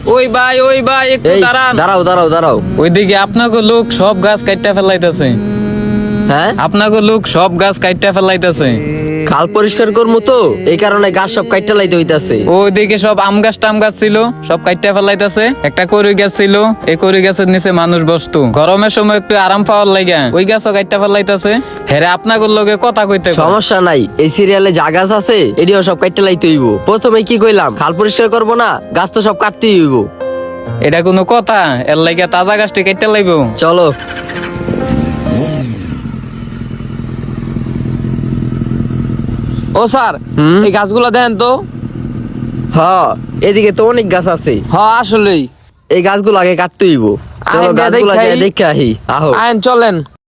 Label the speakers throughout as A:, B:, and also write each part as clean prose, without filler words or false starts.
A: ওই ভাই একটু
B: এই
A: দাঁড়ান।
B: দাঁড়াও।
A: ওইদিকে আপনাকে লোক সব গাছ কাটতে ফেলাইতেছে।
B: হ্যাঁ,
A: আপনাকে লোক সব গাছ কাটতে ফেলাইতেছে।
B: খাল পরিষ্কার করবো তো, এই কারণে গাছ সব কাইটা লাইতে হইতাছে।
A: ওইদিকে সব আম গাছ টাম গাছ ছিল, সব কাটতে ফেলাইতেছে। একটা কড়ই গাছ ছিল, এই কড়ই গাছের নিচে মানুষ বসতো। গরমের সময় একটু আরাম পাওয়ার লাগে ওই গাছও কাটতে ফেলাইতেছে। হেরে আপনাকে লগে কথা কইতে কয়।
B: সমস্যা নাই, এই সিরিয়ালে যা গাছ আছে এটিও সব কাইটা লাইতে হইব। প্রথমে কি কইলাম, খাল পরিষ্কার করবো না, গাছ তো সব কাটতেই হইব।
A: এটা কোনো কথা? এর লাগে তাজা গাছটি কাটতে লাইব।
B: চলো।
C: ও স্যার, এই গাছগুলো দেন তো।
B: হ, এদিকে তো অনেক গাছ আছে।
C: আসলেই
B: এই গাছগুলো আগে কাটতে হইব। চলো
C: আইন দিয়া
B: গাছগুলো
C: দেখাই।
B: যাই দেখে আহি। আহো।
C: আইন চলেন।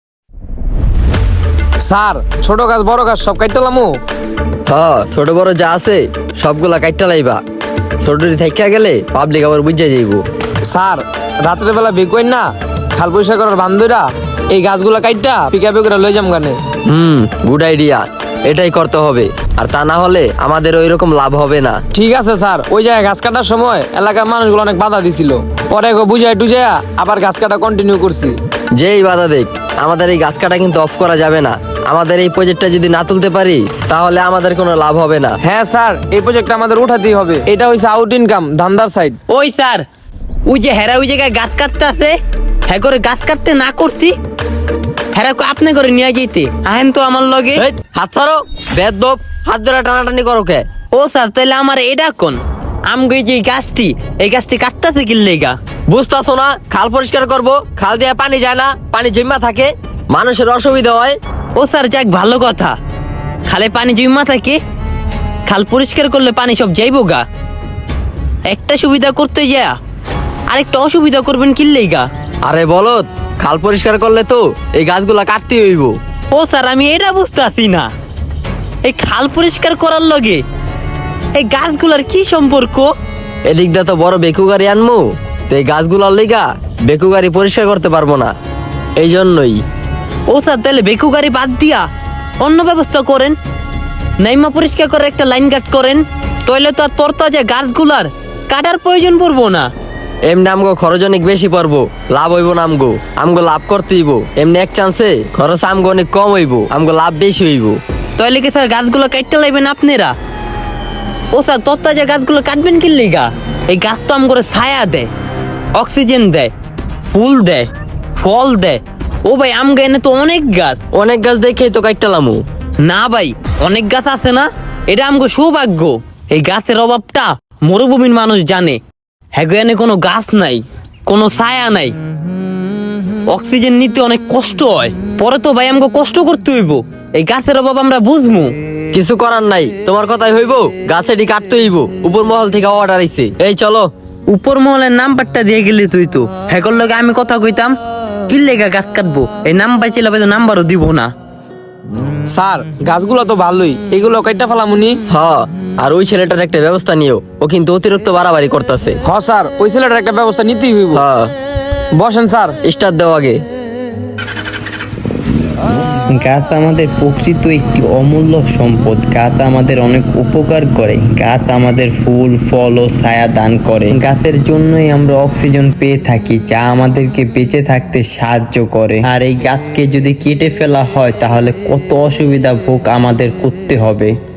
C: স্যার, ছোট গাছ বড় গাছ সব কাটলামু।
B: হ, ছোট বড় যা আছে সবগুলা কাটতে লাইবা। ছোটটি থাইকা গেলে পাবলিক আবার বুঝে যাইব।
C: স্যার, রাত্রে বেলা বেকইন না, খাল পরিষ্কার করার বান্ধবীরা এই গাছগুলো কাটটা পিকাপে করে লই যাম গানে।
B: গুড আইডিয়া, এটাই করতে হবে। আর তা না হলে আমাদের ওই রকম লাভ হবে না।
C: ঠিক আছে স্যার, ওই জায়গায় গাছ কাটার সময় এলাকার মানুষগুলো অনেক বাধা দিছিল। পরে বুঝাই টুজাইয়া আবার গাছ কাটা কন্টিনিউ করছি।
B: যেই বাধা দেখ, আমাদের এই গাছ কাটা কিন্তু অফ করা যাবে না। আমাদের এই প্রজেক্টটা যদি না তুলতে পারি তাহলে আমাদের কোনো লাভ হবে না।
C: হ্যাঁ স্যার, এই প্রজেক্টটা আমাদের উঠাতেই হবে। এটা হইছে আউট ইনকাম, ধান্দার সাইড।
D: ওই স্যার, ওই যে হেরা ওই জায়গায় গাছ কাটতে আছে, হ্যাঁ করে গাছ কাটতে না করছি, হেরা আপনি করে নিয়ে যেতে আহেন তো আমার লগে।
B: এই, হাত ছাড়ো বেদব, হাত ধরে টানাটানি করো কে?
D: ও স্যার, তাহলে আমার এটা কোন আমগো এই যে এই গাছটি কাটতেছে কি লেগা?
B: বুঝতেছো না? খাল পরিষ্কার করব, খাল দিয়ে পানি যায় না, পানি জমা থাকে, মানুষের অসুবিধা হয়।
D: ও স্যার, যাক ভালো কথা, খালে পানি জমা থাকে, খাল পরিষ্কার করলে পানি সব যাইব গা। একটা সুবিধা করতে যা আরেকটা অসুবিধা করবেন কি লেগা?
B: আরে বলত, খাল পরিষ্কার করলে তো এই গাছগুলা কাটতে হইব।
D: ও স্যার, আমি এটা বুঝতেছি না, এই খাল পরিষ্কার করার লগে এই গাছগুলার কি সম্পর্ক?
B: এদিক দিয়ে তো বড় বেকু গাড়ি আনমু, তো এই গাছগুলার লিগা বেকু গাড়ি পরিষ্কার করতে পারবো না, এই জন্যই।
D: ও স্যার, তাহলে বেকু গাড়ি বাদ দিয়া অন্য ব্যবস্থা করেন, নাইমা পরিষ্কার করে একটা লাইন কাট করেন, তাইলে তো আর তরতাজা গাছগুলার কাটার প্রয়োজন পড়বো না।
B: এমনি আমগো খরচ অনেক বেশি পড়বো, লাভ হইব না আমগো লাভ করতে হইব। এমনি এক চান্সে খরচ আমগো অনেক কম হইব, আমগো লাভ বেশি হইব।
D: তাইলে কি স্যার গাছগুলো কাটতে লাইবেন আপনারা? ও স্যার, তরতাজা গাছগুলো কাটবেন কি লিগা? এই গাছ তো আম করে ছায়া দেয়, অক্সিজেন দেয়, ফুল দেয়, ফল দেয়। ও ভাই, আম গায়ে তো অনেক গাছ।
B: অনেক গাছ দেখেই তো কাটতালামু।
D: না ভাই, অনেক গাছ আছে না, এটা আমগো সৌভাগ্য। এই গাছের অভাবটা মরুভূমির মানুষ জানে। হ্যাঁ, কোনো গাছ নাই, কোনো ছায়া নাই, অক্সিজেন নিতে অনেক কষ্ট হয়। পরে তো ভাই আমগো কষ্ট করতে হইব, এই গাছের অভাব আমরা বুঝমু।
B: কিছু করার নাই, তোমার কথাই হইব, গাছ এটি কাটতে হইব। উপর মহল থেকে অর্ডার আইছে। এই চলো।
D: উপর মহলের নাম্বারটা দিয়ে গেলি তুই তো, হ্যাঁ লগে আমি কথা কইতাম কি লেগা গাছ কাটবো, এই নাম্বার ছিল নাম্বারও দিব না।
C: স্যার, গাছগুলো তো ভালোই, এগুলো কাইটা ফেলামুনি।
B: হ, আর ওই ছেলেটার একটা ব্যবস্থা নিও, ও কিন্তু অতিরিক্ত বাড়াবাড়ি করতেছে।
C: স্যার, ওই ছেলেটার একটা ব্যবস্থা নিতেই হইব।
B: হ্যাঁ,
C: বসেন স্যার।
B: স্টার্ট দাও আগে।
E: গাছ আমাদের প্রকৃত একটি অমূল্য সম্পদ। গাছ আমাদের অনেক উপকার করে। গাছ আমাদের ফুল, ফল ও ছায়া দান করে। গাছের জন্যই আমরা অক্সিজেন পেয়ে থাকি, যা আমাদেরকে বেঁচে থাকতে সাহায্য করে। আর এই গাছকে যদি কেটে ফেলা হয় তাহলে কত অসুবিধা ভোগ আমাদের করতে হবে।